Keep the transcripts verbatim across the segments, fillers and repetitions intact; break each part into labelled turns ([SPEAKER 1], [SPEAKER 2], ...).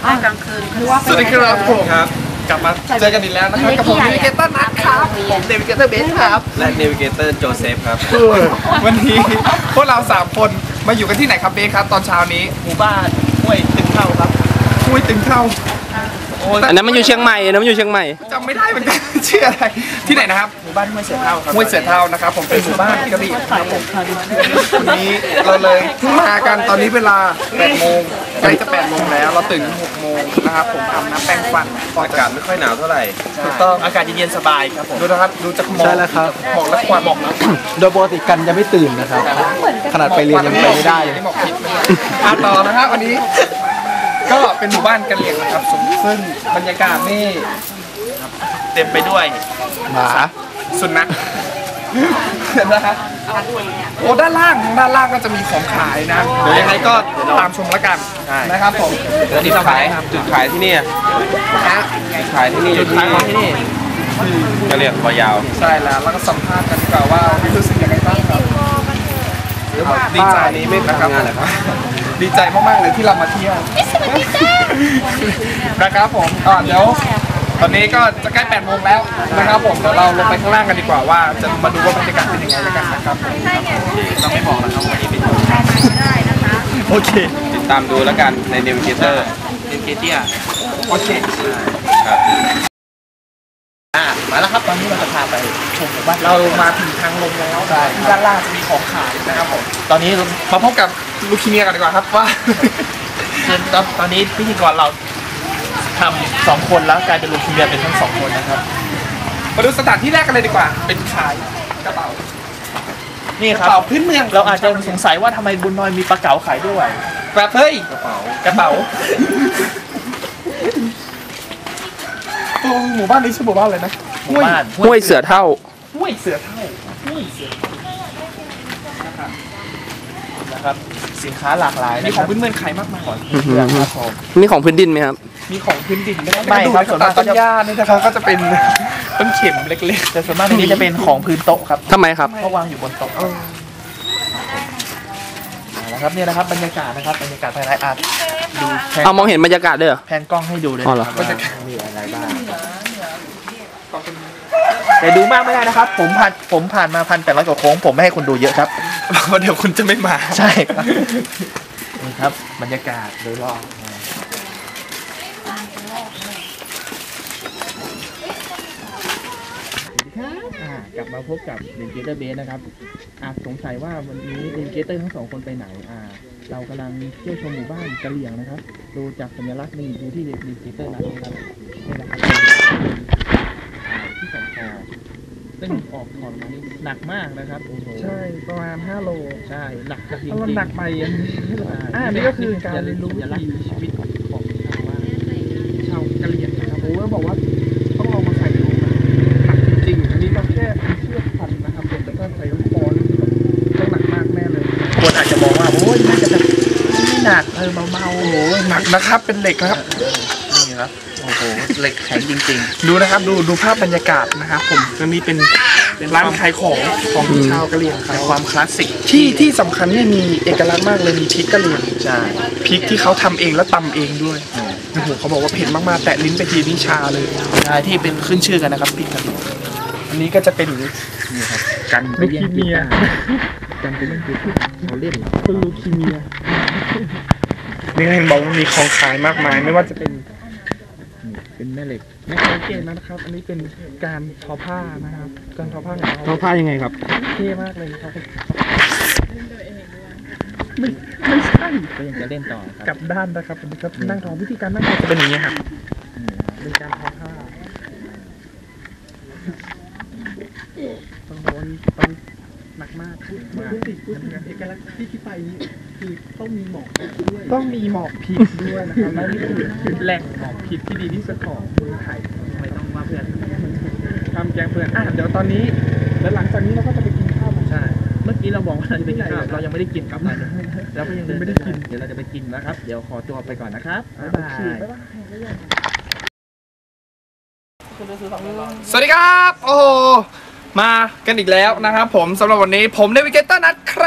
[SPEAKER 1] กลางคืน
[SPEAKER 2] สวัสดีครับผมครับกลับมาเจอกันอีกแล้วนะครับกับผมเนวิเกเตอร์นัทครับผมเนวิเกเตอร์เบสครับ
[SPEAKER 3] และเนวิเกเตอร์โจเซฟครับ
[SPEAKER 2] วันนี้พวกเราสามคนมาอยู่กันที่ไหนครับเบสครับตอนเช้านี้
[SPEAKER 3] หมู่บ้านห้วยตึงเท่าครับ
[SPEAKER 2] ห้วยตึงเท่า
[SPEAKER 4] อันนั้นมันอยู่เชียงใหม่อันนั้นมันอยู่เชียงใหม่
[SPEAKER 2] จำไม่ได้เหมือนกันชื่ออะไรที่ไหนนะครับ
[SPEAKER 3] หมู่บ้านห้วยเสือเท่าครับ
[SPEAKER 2] ห้วยเสือเท่านะครับผมเป็นหมู่บ้านที่กระบี่ครับผมวันนี้เราเลยเพิ่งมากันตอนนี้เวลาแปดโมงใกล้จะแปดโมงแล้วเราตื่นหกโมงนะครับผมอาบน้ำแปรงฟัน
[SPEAKER 3] อากาศไม่ค่อยหนาวเท่าไหร่
[SPEAKER 2] ถูกต้อง
[SPEAKER 3] อากาศเย็นๆสบายครับผม
[SPEAKER 2] ดูนะครับดูจากหมอก
[SPEAKER 4] ใช่แล้วครับ
[SPEAKER 2] หมอกและควันหมอกแล้ว
[SPEAKER 4] โดยปกติกันจะไม่ตื่นนะครับขนาดไปเรียนยังไปไม่ได้เลย
[SPEAKER 2] หมอกพิษมาต่อนะครับวันนี้ก็เป็นหมู่บ้านกะเหรี่ยงนะครับซึ่งบรรยากาศนี่
[SPEAKER 3] เต็มไปด้วย
[SPEAKER 4] หมา
[SPEAKER 2] สุนัขนะฮะโอ้ด้านล่างด้านล่างก็จะมีของขายนะเดี๋ยวยังไงก็ตามชมแล้วกันนะครับผม
[SPEAKER 3] เดี๋ยวที่เราขายจุดขายที่นี่
[SPEAKER 2] นะ
[SPEAKER 3] ขายที่นี่จุดขายของที่นี่กะเหรี่ยงคอยาว
[SPEAKER 2] ใช่แล้วแล้วก็สัมภาษณ์กันดีกว่าว่ารู้สึกยังไงบ้างครับดีใจนี้ไม่ทำงานเลยครับดีใจมากๆเลยที่เรามาเที่ยวนะครับผมอ่าเดี๋ยวตอนนี้ก็จะใกล้แปดโมงแล้วนะครับผมเดี๋ยวเราลงไปข้างล่างกันดีกว่าว่าจะมาดูว่าบรรยากาศเป็นยังไงแล้วกันนะครับ
[SPEAKER 3] เราไม่บอกนะครับวันนี้เป็น
[SPEAKER 2] โอเค
[SPEAKER 3] ติดตามดูแล้วกันในเนวิเกเตอร์เนวิเกเตอร์
[SPEAKER 2] โอเค
[SPEAKER 3] ครับ
[SPEAKER 2] อ่ามาแล้วครับตอนนี้เราจะพาไปชมว่าเรามาถึงทางลงแล้วที่ด้านล่างจะมีของขายนะครับผมตอนนี้มาพบกับลูคิเมียกันดีกว่าครับว่า
[SPEAKER 3] ตอนนี้พิธีกรเราทำสองคนแล้วกลายเป็นลูคิเมียเป็นทั้งสองคนนะครับ
[SPEAKER 2] มาดูสถานที่แรกกันเลยดีกว่าเป็นขายกระเป๋า
[SPEAKER 3] นี่ครับ
[SPEAKER 2] กระเป๋าพื้นเมือง
[SPEAKER 3] เราอาจจะสงสัยว่าทำไมบุญน้อยมีปลาเก๋าขายด้วย
[SPEAKER 2] แบบเฮ้ย
[SPEAKER 3] กระเป๋าก
[SPEAKER 2] ระเป๋าหมู่บ้านนี้ชื่อหมู่บ้านอะไรนะ
[SPEAKER 3] หมู่บ้าน
[SPEAKER 4] ห้วยเสือเท่า
[SPEAKER 2] ห้วยเสือเท่าห้วยเสือ
[SPEAKER 3] นะครับนะครับสินค้าหลากหลาย
[SPEAKER 2] มีของพื้นเมืองขายมากมาย
[SPEAKER 4] มีของพื้นดินไหมครับ
[SPEAKER 2] มีของพื้นดินไม่ครับส่วนมากต้นหญ้านี่นะครับก็จะเป็นต้นเข็มเล็กๆ
[SPEAKER 3] แต่ส่วนมากในนี้จะเป็นของพื้นโต๊ะครับ
[SPEAKER 4] ทำไมครับ
[SPEAKER 3] เพราะวางอยู่บนโต๊ะนะครับเนี่ยนะครับบรรยากาศนะครับบรรยากาศภายในอาร์ตดู
[SPEAKER 4] เอามองเห็นบรรยากาศด้วยเหรอ
[SPEAKER 3] แผนกล้องให้ดูเลย
[SPEAKER 4] บ
[SPEAKER 3] รรยากาศมีอะไรบ้างแต่ดูมากไม่ได้นะครับผมผ่านผมผ่านมาพันแปดร้อยกว่าโค้งผมไม่ให้คุณดูเยอะครับ
[SPEAKER 2] เพราะเดี๋ยวคุณจะไม่มา
[SPEAKER 3] ใช่ครับนี่ครับบรรยากาศโดยรอบกลับมาพบกับเนวิเกเตอร์เบสนะครับอาจสงสัยว่าวันนี้เนวิเกเตอร์ทั้งสองคนไปไหนอ่าเรากำลังเที่ยวชมหมู่บ้านกะเหรี่ยงนะครับดูจากสัญลักษณ์นี่ดูที่เนวิเกเตอร์นะครับนี่นะครับที่สองคอซึ่งออกถอนมานี่หนักมากนะครับโอ้โห
[SPEAKER 2] ใช่ประมาณห้าโล
[SPEAKER 3] ใช่หนักจริง
[SPEAKER 2] ๆหนักไปอันนี้อ่านี่ก็คือการเรียนรู้วิถีชีวิตของชาวว่าชาวกะเหรี่ยงนะครับผมก็บอกว่าต้องลองมาใส่ดูหนักจริงๆอันนี้เราแค่เชือกพันนะครับผมแล้วก็ใส่ลูกบอลต้องหนักมากแน่เลย
[SPEAKER 3] คนอาจจะมองว่าโอ้ยน่าจะแบบไม่หนักเออเบาๆ
[SPEAKER 2] โอ้โหหนักนะครับเป็นเหล็กนะครับ
[SPEAKER 3] นี่ครับโอ้โหเหล็กแข็งจริง
[SPEAKER 2] ๆดูนะครับดูดูภาพบรรยากาศนะครับผมตรงนี้เป็นร้านขายของของชาวกะเหรี่ยง
[SPEAKER 3] แต่ความคลาสสิก
[SPEAKER 2] ที่ที่สำคัญเนี่ยมีเอกลักษณ์มากเลยมีพริกกะเหรี่ยง
[SPEAKER 3] ใช่
[SPEAKER 2] พริกที่เขาทำเองแล้วตำเองด้วยโอ้โหเขาบอกว่าเผ็ดมากๆแตะลิ้นไปทีนี่ชาเลย
[SPEAKER 3] ใช่ที่เป็นขึ้นชื่อกันนะครับพริกกะเหรี่ยง
[SPEAKER 2] อันนี้ก็จะเป็น
[SPEAKER 3] นี่ครับ
[SPEAKER 2] กันลูคีเมีย
[SPEAKER 3] กันเป็นเรื่องที่เขาเล่น
[SPEAKER 2] เป็นลูคีเมียนี่เห็นบอกว่ามีของขายมากมายไม่ว่าจะเป็น
[SPEAKER 3] เป็นแม่เหล็ก
[SPEAKER 2] แม่เกศนะครับอันนี้เป็นการทอผ้านะครับการทอผ้าของเรา
[SPEAKER 4] ทอผ้ายังไงครับ
[SPEAKER 2] เท่มากเลยครับไม่ไม่ใช่
[SPEAKER 3] ก็ยังจะเล่นต่อ
[SPEAKER 2] กับด้านนะครับครับนั่งทอวิธีการนั่งทอจะเป็นอย่างนี้ครับเป็นการทอผ้าต้องโดนต้องหนักมากมาเอกลักษณ์ที่ที่ไปนี้คือต้องมีหมอกด้วยต้องมีหมอกพิษด้วยนะครับและนี่คือแหล่งหมอกพิษที่ดีที่สุดของเมืองไทย
[SPEAKER 3] ไม่ต้องมาเพื่อน
[SPEAKER 2] ทำแกงเพื่อนอ่ะเดี๋ยวตอนนี้แล้วหลังจากนี้เราก็จะไปกินข้าว
[SPEAKER 3] ใช่เมื่อกี้เราบอกว่าเราจะไปกินข้าวเรายังไม่ได้กินครับเราก็ยัง
[SPEAKER 2] ไม่ได้กิน
[SPEAKER 3] เดี๋ยวเราจะไปกินนะครับเดี๋ยวขอตัวไปก่อนนะครับบ๊ายบาย
[SPEAKER 2] สวัสดีครับโอ้โหมากันอีกแล้วนะครับผมสำหรับวันนี้ผมเนวิเกเตอร์นัทครับ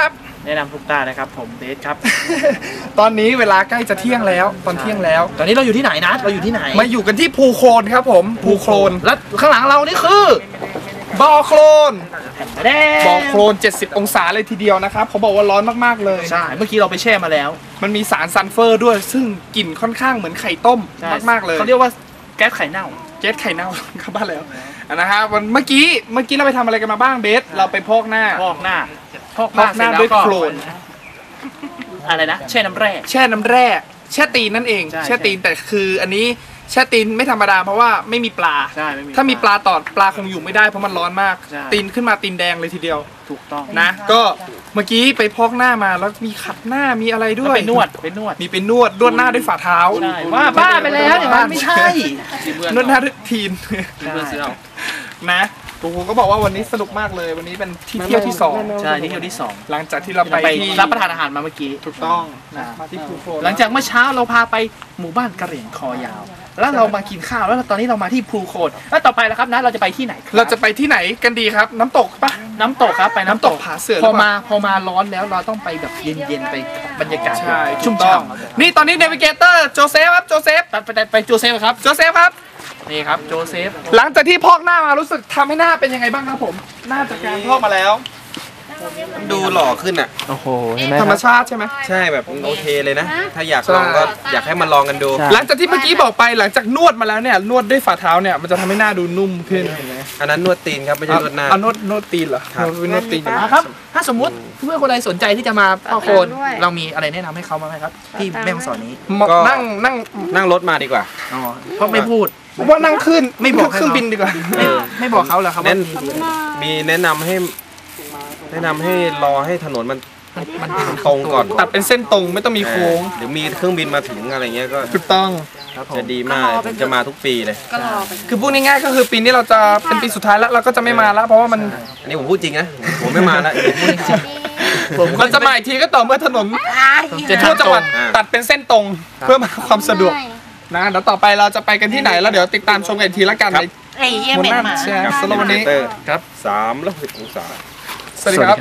[SPEAKER 3] แนะนำทุกตานะครับผมเบสครับ
[SPEAKER 2] ตอนนี้เวลาใกล้จะเที่ยงแล้วตอนเที่ยงแล้ว
[SPEAKER 3] ตอนนี้เราอยู่ที่ไหนนะเราอยู่ที่ไหน
[SPEAKER 2] มาอยู่กันที่ภูโคลนครับผมภูโคลน
[SPEAKER 3] แล้วข้างหลังเรานี่คือ
[SPEAKER 2] บ่อโคลน
[SPEAKER 3] แดง
[SPEAKER 2] บ่อโคลนเจ็ดสิบองศาเลยทีเดียวนะครับเขาบอกว่าร้อนมากๆเลย
[SPEAKER 3] ใช่เมื่อกี้เราไปแช่มาแล้ว
[SPEAKER 2] มันมีสารซัลเฟอร์ด้วย ซึ่งกลิ่นค่อนข้างเหมือนไข่ต้ม
[SPEAKER 3] ใช่
[SPEAKER 2] มากๆเลย
[SPEAKER 3] เขาเรียกว่าแก๊สไข่เน่า
[SPEAKER 2] เจ๊ไข่เน่า เข้าบ้านแล้วอ่ะนะฮะวันเมื่อกี้เมื่อกี้เราไปทำอะไรกันมาบ้างเบสเราไปพอกหน้า
[SPEAKER 3] พอกหน้าพอก
[SPEAKER 2] พอกหน้าด้วยโคลน
[SPEAKER 3] อะไรนะแช่น้ำแร่
[SPEAKER 2] แช่น้ำแร่แช่ตีนนั่นเอง
[SPEAKER 3] ใช่
[SPEAKER 2] แช่ตีนแต่คืออันนี้แช่ตีนไม่ธรรมดาเพราะว่าไม่มีปลา
[SPEAKER 3] ใช่ไม่มี
[SPEAKER 2] ถ้ามีปลาตอดปลาคงอยู่ไม่ได้เพราะมันร้อนมาก
[SPEAKER 3] ใช่
[SPEAKER 2] ตีนขึ้นมาตีนแดงเลยทีเดียว
[SPEAKER 3] ถูกต้อง
[SPEAKER 2] นะ ก็เมื่อกี้ไปพอกหน้ามาแล้วมีขัดหน้ามีอะไรด้วย
[SPEAKER 3] ไปนวดไปนวด
[SPEAKER 2] มีเป็นนวดนวดหน้าด้วยฝ่าเท้า
[SPEAKER 3] ใช่ว่าบ้าไปแล้วเนี่ยมันไม่ใช่
[SPEAKER 2] นวดหน้าด้วยทีน
[SPEAKER 3] เพื่อนซื้อเอา
[SPEAKER 2] นะปูก็บอกว่าวันนี้สนุกมากเลย วันนี้เป็นที่เที่ยวที่สอง
[SPEAKER 3] ใช่ที่เที่ยวที่สอง
[SPEAKER 2] หลังจากที่เราไป
[SPEAKER 3] ไป
[SPEAKER 2] ที่
[SPEAKER 3] รับประทานอาหารมาเมื่อกี้
[SPEAKER 2] ถูกต้องนะมาที่ภูโคลน
[SPEAKER 3] หลังจากเมื่อเช้าเราพาไปหมู่บ้านกะเหรี่ยงคอยาว แล้วเรามากินข้าวแล้วตอนนี้เรามาที่ภูโคนแล้วต่อไปแล้วครับนะเราจะไปที่ไหนคบ
[SPEAKER 2] เราจะไปที่ไหนกันดีครับ น้ำตกปะ
[SPEAKER 3] น้ำตกครับไปน้ำตก
[SPEAKER 2] น้ำตกผาเสือห
[SPEAKER 3] พ
[SPEAKER 2] รือ อเปล่า
[SPEAKER 3] มาพอมาร้อนแล้วเราต้องไปแบบเย็นๆไปบรรยากาศ
[SPEAKER 2] ใช่
[SPEAKER 3] ชุ่ม
[SPEAKER 2] ถูกต้อง
[SPEAKER 3] ฉ่ำ
[SPEAKER 2] นี่ตอนนี้เนวิเกเตอร์โจเซฟครับโจเซฟ
[SPEAKER 3] ตัดไปไปโจเซฟครับ
[SPEAKER 2] โจเซฟครับ
[SPEAKER 3] นี่ครับโจเซฟ
[SPEAKER 2] หลังจากที่พอกหน้ามารู้สึกทำให้หน้าเป็นยังไงบ้างครับผมหน้าจากการพอกมาแล้ว
[SPEAKER 4] ดูหล่อขึ้นอ่ะ
[SPEAKER 3] โอ้โหเห็นไหม
[SPEAKER 2] ธรรมชาติใช่ไหม
[SPEAKER 4] ใช่แบบโอเคเลยนะ ถ้าอยากลองก็อยากให้มันลองกันดู
[SPEAKER 2] หลังจากที่เมื่อกี้บอกไปหลังจากนวดมาแล้วเนี่ยนวดด้วยฝ่าเท้าเนี่ยมันจะทำให้หน้าดูนุ่มขึ้น
[SPEAKER 4] อันนั้นนวดตีนครับไม่ใช่นวดหน้า
[SPEAKER 2] เอานวดนวดตีนเหรอ
[SPEAKER 4] ครับ
[SPEAKER 2] นวดตีน
[SPEAKER 3] มาครับ ถ้าสมมุติเพื่อนคนใดสนใจที่จะมาพ่อโคนเรามีอะไรแนะนำให้เขาบ้างไหมครับ ที่แม่ฮ่องสอนนี้
[SPEAKER 2] เหมาะนั่งนั่ง
[SPEAKER 4] นั่งรถมาดีกว่า
[SPEAKER 3] อ๋อเพราะไม่พูด
[SPEAKER 2] ผมว่านั่งขึ้น
[SPEAKER 3] ไม่บอกให้
[SPEAKER 2] เครื่องบินดีกว่า
[SPEAKER 3] ไม่ไม่บอกเขาเหรอครับว่า
[SPEAKER 4] แน่น
[SPEAKER 3] มี
[SPEAKER 4] มีแนะนำให้ แนะนำให้รอให้ถนนมัน
[SPEAKER 3] มัน
[SPEAKER 4] มันตรงก่อน
[SPEAKER 2] ตัดเป็นเส้นตรงไม่ต้องมีโค้ง
[SPEAKER 4] หรือมีเครื่องบินมาถึงอะไรเงี้ยก็
[SPEAKER 2] ถูกต้อง
[SPEAKER 3] ครับผม
[SPEAKER 4] จะดีมากผมจะมาทุกปีเลย
[SPEAKER 2] คือพูดง่ายๆก็คือปีนี้เราจะเป็นปีสุดท้ายแล้วเราก็จะไม่มาแล้ว เพราะว่ามัน
[SPEAKER 4] อันนี้ผมพูดจริงนะ ผมไม่มาแล้วผมพูดจริง
[SPEAKER 3] ผม
[SPEAKER 2] มันจะมาอีกทีก็ต่อเมื่อถนน
[SPEAKER 3] จะ
[SPEAKER 2] ทั่วจังหวัด
[SPEAKER 4] อ่า
[SPEAKER 2] ตัดเป็นเส้นตรงเพื่อมาความสะดวกนะเดี๋ยวต่อไปเราจะไปกันที่ไหนแล้วเดี๋ยวติดตามชมกันอีกทีละกันใน
[SPEAKER 1] ไอ้เหี้ย
[SPEAKER 2] บน
[SPEAKER 1] เหม็
[SPEAKER 2] ห
[SPEAKER 1] น
[SPEAKER 2] น้า
[SPEAKER 1] หมา
[SPEAKER 2] แชร์
[SPEAKER 4] กับ
[SPEAKER 2] สำหรับวันนี้
[SPEAKER 4] เตอร์ครับสามร้อยหกสิบองศา
[SPEAKER 2] สวัสดีครับ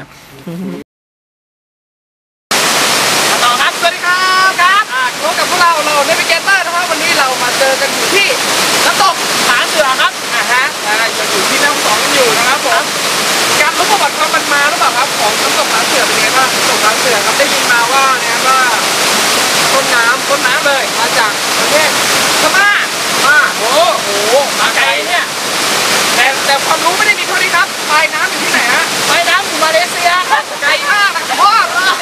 [SPEAKER 2] ต่อครับสวัสดีครับครับอ่าพบกับพวกเราเราเนวิเกเตอร์นะครับวันนี้เรามาเจอกันอยู่ที่น้ำตกผาเสือครับอ่าฮะอ่ายังอยู่ที่แม่ฮ่องสอนกันอยู่นะครับผมการรู้ประวัติความมันมาหรือเปล่าครับของน้ำตกผาเสือเป็นยังไงบ้างน้ำตกผาเสือครับได้ยินมาว่าเนี่ยว่าต้นน้ำต้นน้ำเลยมาจากประเทศพม่าพม่าโอ้โหมาไกลเนี่ยแต่แต่ความรู้ไม่ได้มีเท่านี้ครับปลายน้ำอยู่ที่ไหนฮะปลายน้ำอยู่มาเลเซียครับไกลมากนะพ่อ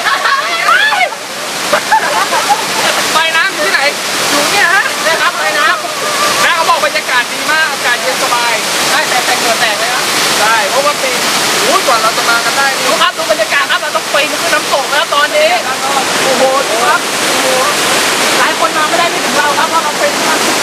[SPEAKER 2] ปลายน้ำอยู่ที่ไหนอยู่เนี่ยฮะเนี่ยครับปลายน้ำนะเขาบอกบรรยากาศดีมากอากาศเย็นสบายได้แต่แต่เหงื่อแตกเลยนะใช่เพราะว่าปีโอ้ยกว่าเราจะมากันได้นี่
[SPEAKER 3] ดูครับดูบรรยากาศครับเราต้องปีนขึ้นน้ำตกแล้วตอนนี้
[SPEAKER 2] โอ้โหดูครับโอ้โห
[SPEAKER 3] หลายคนมาไม่ได้ไม่ถึงเราครับเพราะเราเป็นมา